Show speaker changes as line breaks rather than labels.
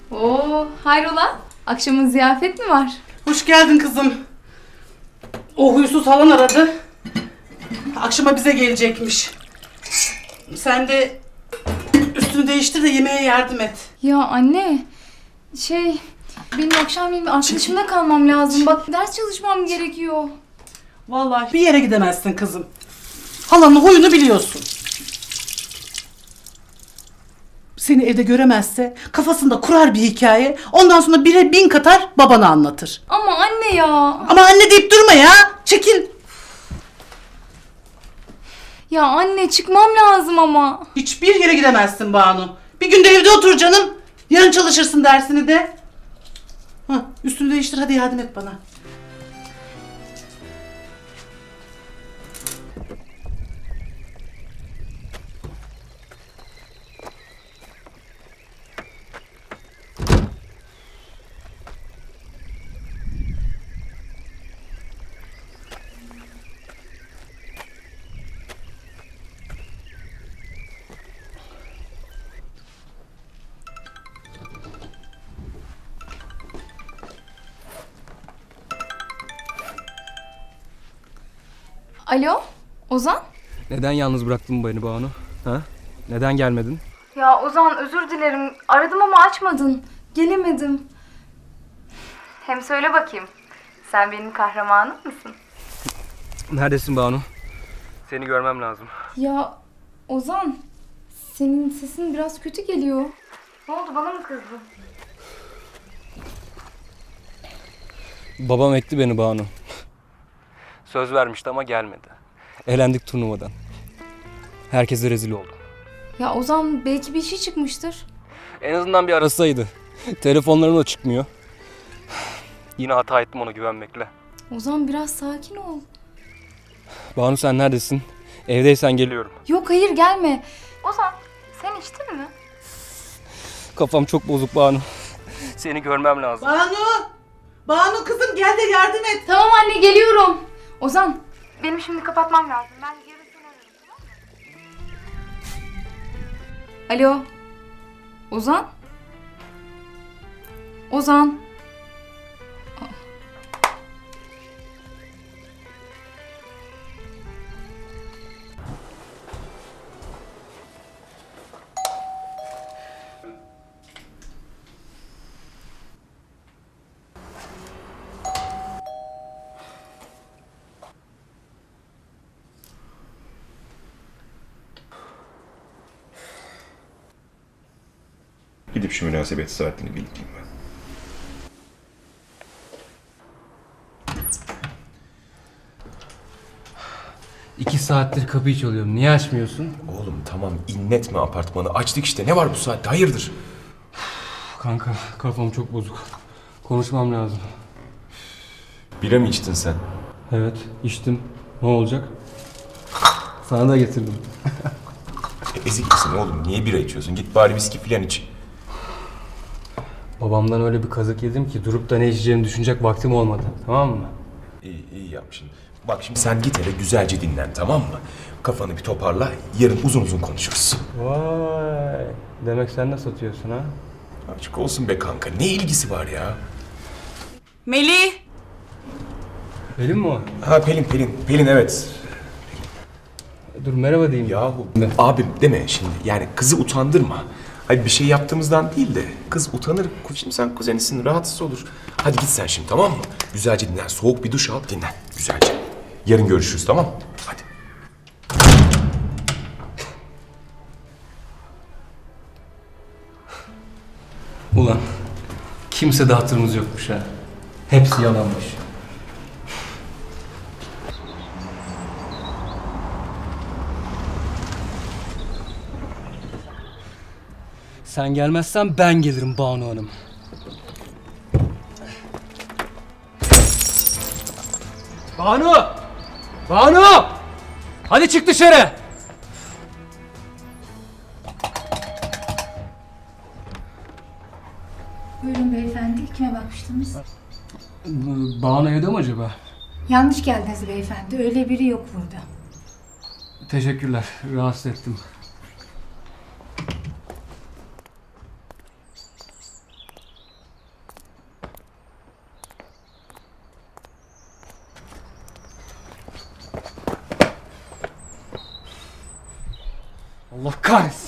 Oo, hayrola? Akşamın ziyafet mi var?
Hoş geldin kızım. O huysuz halan aradı. Akşama bize gelecekmiş. Sen de üstünü değiştir de yemeğe yardım et.
Ya anne, benim akşamleyin arkadaşımda kalmam lazım. Bak ders çalışmam gerekiyor.
Vallahi bir yere gidemezsin kızım. Halanın huyunu biliyorsun. Seni evde göremezse kafasında kurar bir hikaye. Ondan sonra 1'e 1000 katar babana anlatır.
Ama anne ya.
Ama anne deyip durma ya. Çekil.
Ya anne çıkmam lazım ama.
Hiçbir yere gidemezsin Banu. Bir günde evde otur canım. Yarın çalışırsın dersini de. Üstünü değiştir, hadi yardım et bana.
Alo, Ozan?
Neden yalnız bıraktın beni Banu? Ha? Neden gelmedin?
Ya Ozan özür dilerim. Aradım ama açmadın. Gelemedim. Hem söyle bakayım. Sen benim kahramanım mısın?
Neredesin Banu? Seni görmem lazım.
Ya Ozan, senin sesin biraz kötü geliyor. Ne oldu, bana mı kızdın?
Babam ekti beni Banu. Söz vermişti ama gelmedi. Elendik turnuvadan. Herkese rezil oldum.
Ya Ozan, belki bir şey çıkmıştır.
En azından bir arasaydı. Telefonlarım da çıkmıyor. Yine hata ettim ona güvenmekle.
Ozan biraz sakin ol.
Banu sen neredesin? Evdeysen geliyorum.
Yok hayır, gelme. Ozan, sen içtin mi?
Kafam çok bozuk Banu. Seni görmem lazım.
Banu! Banu kızım, gel de yardım et.
Tamam anne, geliyorum. Ozan, benim şimdi kapatmam lazım. Ben yarın seni ararım, tamam mı? Alo. Ozan? Ozan?
Gidip şu münasebet saatini bildireyim ben.
İki saattir kapıyı çalıyorum. Niye açmıyorsun?
Oğlum tamam, inletme apartmanı. Açtık işte, ne var bu saatte, hayırdır?
Kanka kafam çok bozuk. Konuşmam lazım.
Bira mı içtin sen?
Evet içtim. Ne olacak? Sana da getirdim.
Ezik misin oğlum? Niye bira içiyorsun? Git bari viski falan iç.
Babamdan öyle bir kazık yedim ki durup da ne içeceğimi düşünecek vaktim olmadı. Tamam mı?
İyi yapmışsın. Bak şimdi sen git eve güzelce dinlen, tamam mı? Kafanı bir toparla, yarın uzun uzun konuşuruz.
Vay. Demek sen de satıyorsun ha?
Açık olsun be kanka, ne ilgisi var ya?
Melih!
Pelin mi o?
Ha Pelin evet.
Dur merhaba diyeyim.
Yahu abim deme şimdi, yani kızı utandırma. Hayır bir şey yaptığımızdan değil de kız utanır. Şimdi sen kuzenisin, rahatsız olur. Hadi git sen şimdi, tamam mı? Güzelce dinlen, soğuk bir duş al, dinlen güzelce. Yarın görüşürüz, tamam mı? Hadi.
Ulan kimse de hatırımız yokmuş ha. Hepsi yalanmış. Sen gelmezsen ben gelirim Banu Hanım. Banu! Banu! Hadi çık dışarı!
Buyurun beyefendi, kime bakmıştınız?
Banu evde mi acaba?
Yanlış geldiniz beyefendi, öyle biri yok burada.
Teşekkürler, rahatsız ettim. Allah kahretsin.